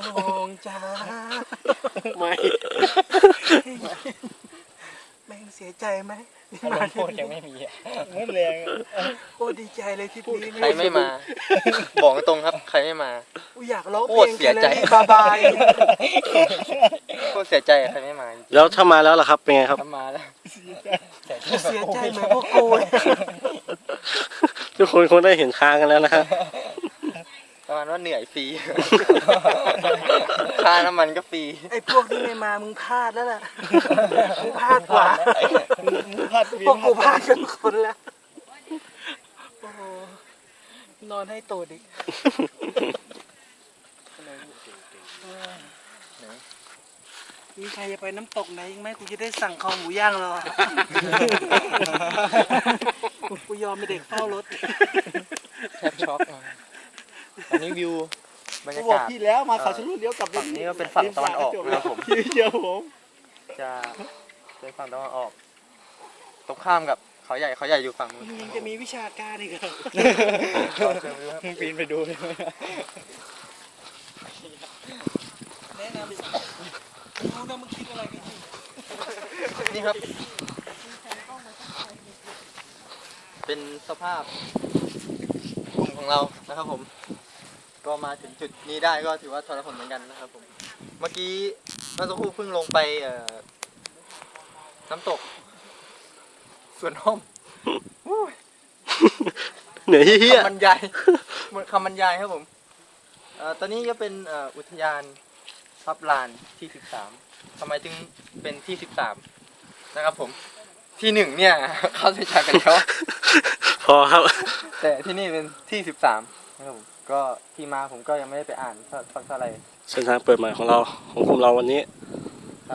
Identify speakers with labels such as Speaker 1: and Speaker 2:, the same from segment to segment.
Speaker 1: น้องจ้า
Speaker 2: ไม่
Speaker 1: แม่งเสียใจไหม
Speaker 3: อารมณ์พูดยังไม่มี
Speaker 2: ไม่แรง
Speaker 1: โอ้ดีใจเลยทริปนี้
Speaker 4: ใครไม่มา บอกตรงครับใครไม่มา
Speaker 1: กูอยากร้องเพ
Speaker 4: โค
Speaker 1: ล
Speaker 4: ต
Speaker 1: ง
Speaker 4: รเสียใจ
Speaker 1: บายบาย
Speaker 4: โคตรเสียใจใครไม่มา
Speaker 2: แล้วถ้ามาแล้วล่ะครับเป็นไงครับ
Speaker 4: ทำมาแล้ว
Speaker 1: เสียใจเหมือนพวกกู
Speaker 2: ทุกคนคงได้เห็นค้างกันแล้วนะฮะ
Speaker 4: ประมาณว่าเหนื่อยฟรี ค่าน้ำมันก็ฟรี
Speaker 1: ไอ้พวกที่ไม่มามึงพลาดแล้วล่ะมึงพลาดกว่าพวกกูพลาดกันคนแล้วโอ้โหนอนให้ตูดอีกมีใครจะไปน้ำตกไหนอีกไหมกูจะได้สั่งคอหมูย่างรอกูยอมเป็นเด็กเฝ้ารถ
Speaker 4: แทบช็อกอันนี้วิวบรรยา
Speaker 2: บอก
Speaker 4: กาศ
Speaker 2: พี่แล้วมาเขาชะลุดเลี้ยวกลับ
Speaker 4: ฝั่งนี้ก็เป็นฝั่งตะวันออกนะครับผม
Speaker 2: พี่เดียวผม
Speaker 4: จะเป็นฝั่งตะวันออกตรงข้ามกับเขาใหญ่อยู่ฝั่งนู้น
Speaker 1: มึงยังจะมีวิชาการอีกเหรอ
Speaker 2: ปีนไปดูเลย
Speaker 1: แนะนำรู้นะมึงคิดอะไรกันอยู่
Speaker 4: นี่ครับ เป็นสภาพกลุ่มของเรานะครับผม ก็มาถึงจุดนี้ได้ก็ถือว่าทรหดเหมือนกันนะครับผม เมื่อสักครู่เพิ่งลงไปน้ำตกสวนห้อม
Speaker 2: เหนื่อยเฮี้ย
Speaker 4: คำบรรยายหมดคำบรรยายครับผมตอนนี้ก็เป็นอุทยานทับลานที่13ทำไมถึงเป็นที่13นะครับผมที่1เนี่ย เข้าเส้นชัยไปแล้ว
Speaker 2: พอครับ
Speaker 4: แต่ที่นี่เป็นที่13นะครับผมก็ที่มาผมก็ยังไม่ได้ไปอ่านสักเท่าไหร่
Speaker 2: เส้นทางเปิดใหม่ของเราของกลุ่มเราวันนี้
Speaker 4: ครับ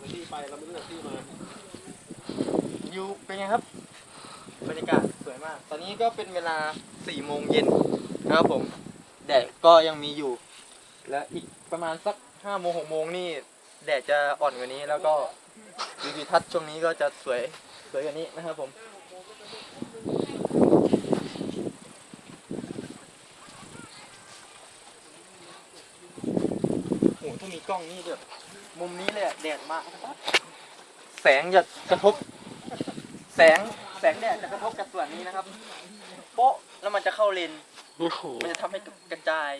Speaker 4: อยู่เป็นไงครับบรรยากาศสวยมาก ตอนนี้ก็เป็นเวลา4 โมงเย็นนะครับผมแดดก็ยังมีอยู่ และอีกประมาณสัก5 โมง 6 โมงนี่แดดจะอ่อนกว่านี้ แล้วก็วิวทิวทัศน์ช่วงนี้ก็จะสวยกว่านี้นะครับผมโอ้ถ้ามีกล้องนี่แบบมุมนี้เลยอะแดดมากแสงจะกระทบแสงแดดจะกระทบกับส่วนนี้นะครับโป๊ะแล้วมันจะเข้าเลน
Speaker 2: โอ้โห
Speaker 4: มันจะทำให้กระจาย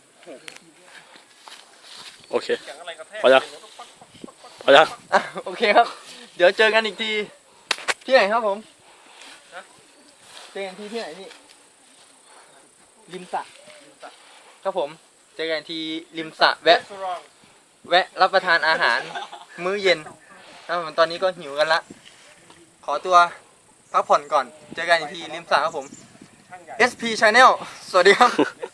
Speaker 2: โอเคพอยังพอยัง
Speaker 4: อ่ะโอเคครับ เดี๋ยวเจอกันอีกทีที่ไหนครับผมเจอกันที่ไหนพี่ริมสระครับผมเจอกันที่ริมสระแวะรับประทานอาหารมื้อเย็นครับผมตอนนี้ก็หิวกันละขอตัวพักผ่อนก่อนเจอกันอีกทีริมสระครับผม SP Channel สวัสดีครับ